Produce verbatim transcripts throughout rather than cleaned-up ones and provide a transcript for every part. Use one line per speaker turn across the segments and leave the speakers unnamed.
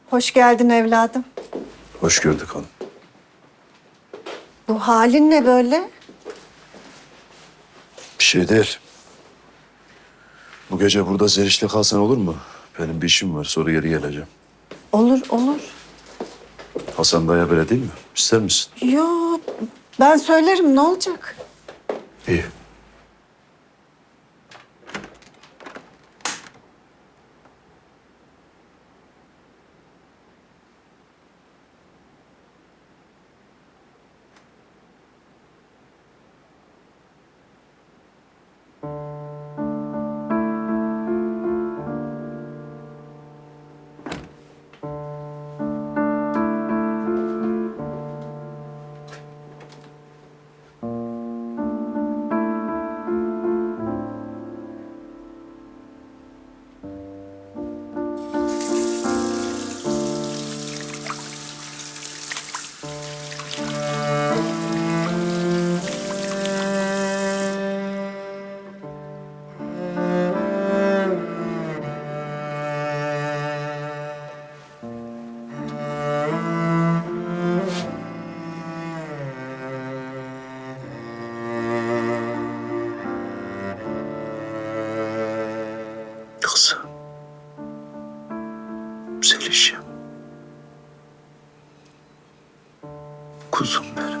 Hoş geldin evladım.
Hoş gördük hanım.
Bu halin ne böyle?
Bir şey değil. Bu gece burada Zeriş'le kalsan olur mu? Benim bir işim var, sonra geri geleceğim.
Olur, olur.
Hasan Dayı böyle değil mi? İster misin?
Yo, ben söylerim, ne olacak?
İyi. Kızım. Zeliş'im. Kuzum benim.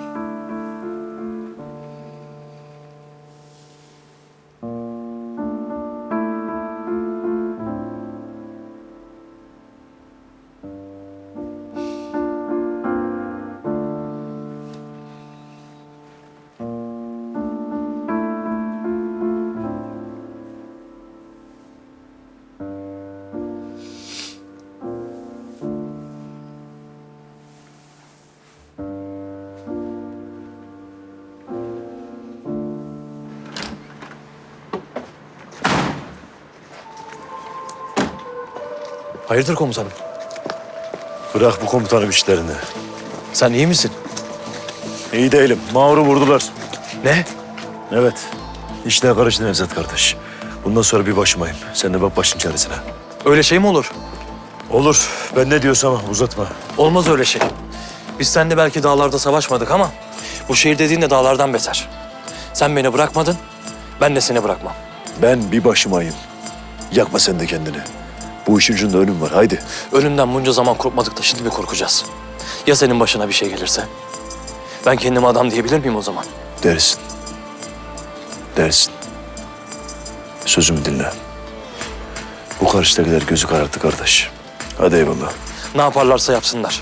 Hayırdır komutanım?
Bırak bu komutanım işlerini.
Sen iyi misin?
İyi değilim. Mağrur vurdular.
Ne?
Evet. İşler karıştı Nevzat kardeş. Bundan sonra bir başımayım. Sen de bak başın çaresine.
Öyle şey mi olur?
Olur. Ben ne diyorsam uzatma.
Olmaz öyle şey. Biz seninle belki dağlarda savaşmadık ama bu şehir dediğin de dağlardan beter. Sen beni bırakmadın, ben de seni bırakmam.
Ben bir başımayım. Yakma sen de kendini. Bu işin ucunda ölüm var. Haydi.
Ölümden bunca zaman korkmadık da şimdi mi korkacağız? Ya senin başına bir şey gelirse? Ben kendime adam diyebilir miyim o zaman?
Dersin. Dersin. Sözümü dinle. Bu karşıdakiler gözü kararttı kardeş. Hadi eyvallah.
Ne yaparlarsa yapsınlar.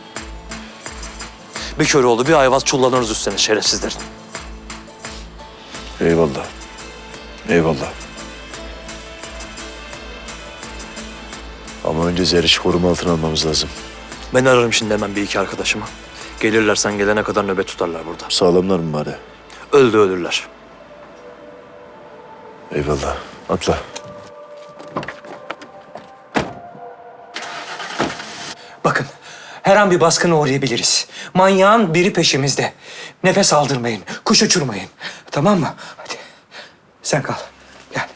Bir Köroğlu, bir Ayvaz çullanırız üstüne şerefsizlerin.
Eyvallah. Eyvallah. Ama önce Zeriş'i koruma altına almamız lazım.
Ben ararım şimdi hemen bir iki arkadaşımı. Gelirler sen gelene kadar nöbet tutarlar burada.
Sağlamlar mı bari?
Öldü ölürler.
Eyvallah. Atla.
Bakın, her an bir baskına uğrayabiliriz. Manyağın biri peşimizde. Nefes aldırmayın, kuş uçurmayın. Tamam mı? Hadi. Sen kal. Gel.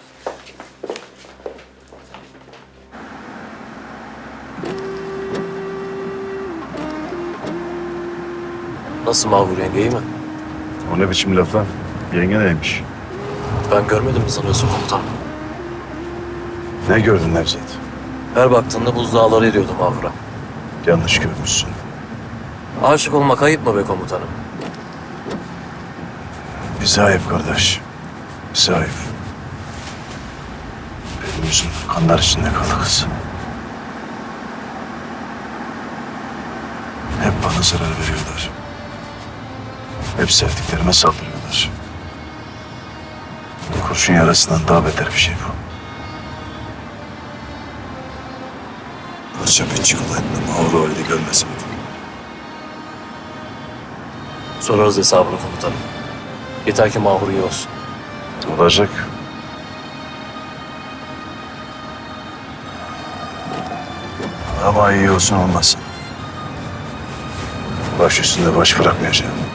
Nasıl Mahvur yenge, iyi mi?
O ne biçim laf lan? Yenge neymiş?
Ben görmedim mi sanıyorsun komutanım?
Ne gördün Nevzat?
Her baktığında buzdağları eriyordu Mahvur'a.
Yanlış görmüşsün.
Aşık olmak ayıp mı be komutanım?
Bize ayıp kardeş. Bize ayıp. Benim yüzüm kanlar içinde kaldı kız. Hep bana zarar veriyorlar. Hep sevdiklerime saldırıyorlar. Kurşun yarasından daha beter bir şey bu. Parça bir çikolatla mağrur halde görmesin.
Sorarız hesabını komutanım. Yeter ki Mahvur iyi olsun.
Olacak. Ama iyi olsun olmasın. Baş üstünde baş bırakmayacağım.